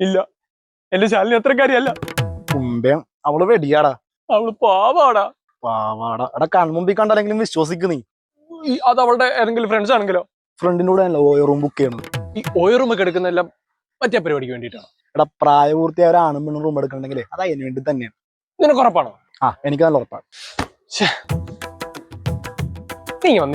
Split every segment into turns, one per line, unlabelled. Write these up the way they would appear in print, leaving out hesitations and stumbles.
ഇല്ല, എന്റെ ശാലിനി അത്രക്കാരിയല്ല.
കുമ്പയം അവള് വെടിയാടാ.
അവള് പാവാടാ.
പാവാടാ. എടാ കൺമുമ്പിൽ കണ്ടാലെങ്കിലും വിശ്വസിക്ക് നീ.
അത് അവളുടെ ഏതെങ്കിലും ഫ്രണ്ട്സ് ആണെങ്കിലോ?
ഫ്രണ്ടിന്റെ കൂടെ ആണല്ലോ ഓയോ റൂം ബുക്ക് ചെയ്യണത്.
ഈ ഓയോ റൂം ഒക്കെ എടുക്കുന്നെല്ലാം മറ്റേ പരിപാടിക്ക് വേണ്ടിയിട്ടാണ്.
എടാ പ്രായപൂർത്തിയായ ഒരു ആണും പെണ്ണും റൂം എടുക്കണമെങ്കിലേ അത് അതിന് വേണ്ടി തന്നെയാണ്.
നിനക്ക് ഉറപ്പാണോ?
ആ എനിക്ക് നല്ല ഉറപ്പാണ്.
നീ വന്നേ.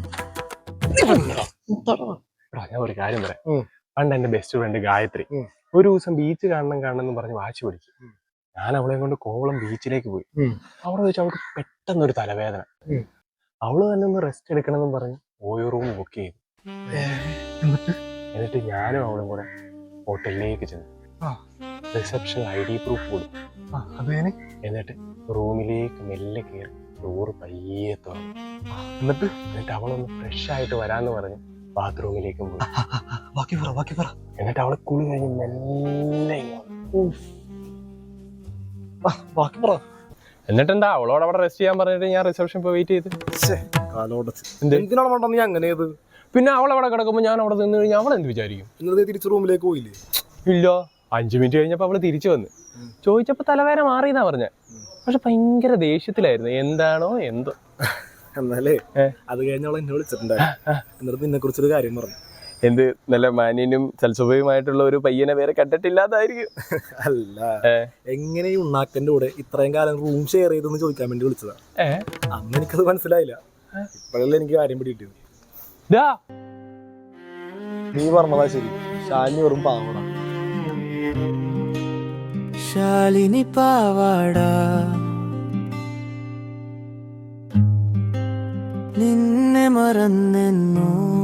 ഞാൻ ഒരു കാര്യം പറയാം. പണ്ട് എന്റെ ബെസ്റ്റ് ഫ്രണ്ട് ഗായത്രി ഒരു ദിവസം ബീച്ച് കാണണം എന്ന് പറഞ്ഞ് വാശി പിടിച്ചു. ഞാൻ അവളെ കൊണ്ട് കോവളം ബീച്ചിലേക്ക് പോയി. അവിടെ വെച്ച് അവൾക്ക് പെട്ടെന്നൊരു തലവേദന. അവള് തന്നെ ഒന്ന് റെസ്റ്റ് എടുക്കണം എന്ന് പറഞ്ഞ് ഓയോ റൂം ബുക്ക് ചെയ്തു. എന്നിട്ട് ഞാനും അവളും കൂടെ ഹോട്ടലിലേക്ക് ചെന്നു. റിസപ്ഷൻ ID പ്രൂഫ് കൊടുത്തു. എന്നിട്ട് റൂമിലേക്ക് മെല്ലെ കയറി ഡോറ് പയ്യെ തുറന്നു. എന്നിട്ട് അവളൊന്ന് ഫ്രഷ് ആയിട്ട് വരാന്ന് പറഞ്ഞ് ബാത്റൂമിലേക്കും പോയി. എന്നിട്ട് അവളെ കുളി കഴിഞ്ഞ് മെല്ലെ എന്നിട്ടെന്താ അവളോട് അവിടെ റെസ്റ്റ് ചെയ്യാൻ പറഞ്ഞിട്ട് ഞാൻ റിസപ്ഷൻ പോയി വെയിറ്റ് ചെയ്ത്. പിന്നെ അവൾ അവിടെ കിടക്കുമ്പോ ഞാൻ അവിടെ നിന്ന് കഴിഞ്ഞാൽ അവൾ എന്ത് വിചാരിക്കും?
തിരിച്ച് റൂമിലേക്ക് പോയില്ലേ?
ഇല്ല, 5 മിനിറ്റ് കഴിഞ്ഞപ്പോ അവള് തിരിച്ചു വന്ന്. ചോദിച്ചപ്പോ തലവേദന മാറിയെന്നാ പറഞ്ഞ. പക്ഷെ ഭയങ്കര ദേഷ്യത്തിലായിരുന്നു. എന്താണോ എന്തോ.
എന്നാലേ അത് കഴിഞ്ഞ അവൾ എന്നെ വിളിച്ചിട്ടുണ്ടായിരുന്നു. എന്നിട്ട് നിന്നെ കുറിച്ചൊരു കാര്യം പറഞ്ഞു.
എന്ത്? നല്ല മാന്യനും സൽസ്വഭാവമായിട്ടുള്ള ഒരു പയ്യനെ വേറെ കണ്ടിട്ടില്ലാതായിരിക്കും.
അല്ല, എങ്ങനെ ഈ ഉണ്ണാക്കന്റെ കൂടെ ഇത്രയും കാലം റൂം ഷെയർ ചെയ്തെന്ന് ചോദിക്കാൻ വേണ്ടി വിളിച്ചതാ. അന്ന് എനിക്കത് മനസ്സിലായില്ല. ഇപ്പോഴല്ലേ എനിക്ക് കാര്യം പിടികിട്ടിയത്. നീ പറഞ്ഞതാ ശരി. ശാലിനി വെറും പാവടാ.
ശാലിനി പാവാടാ, നിന്നെ മറന്നെന്നോ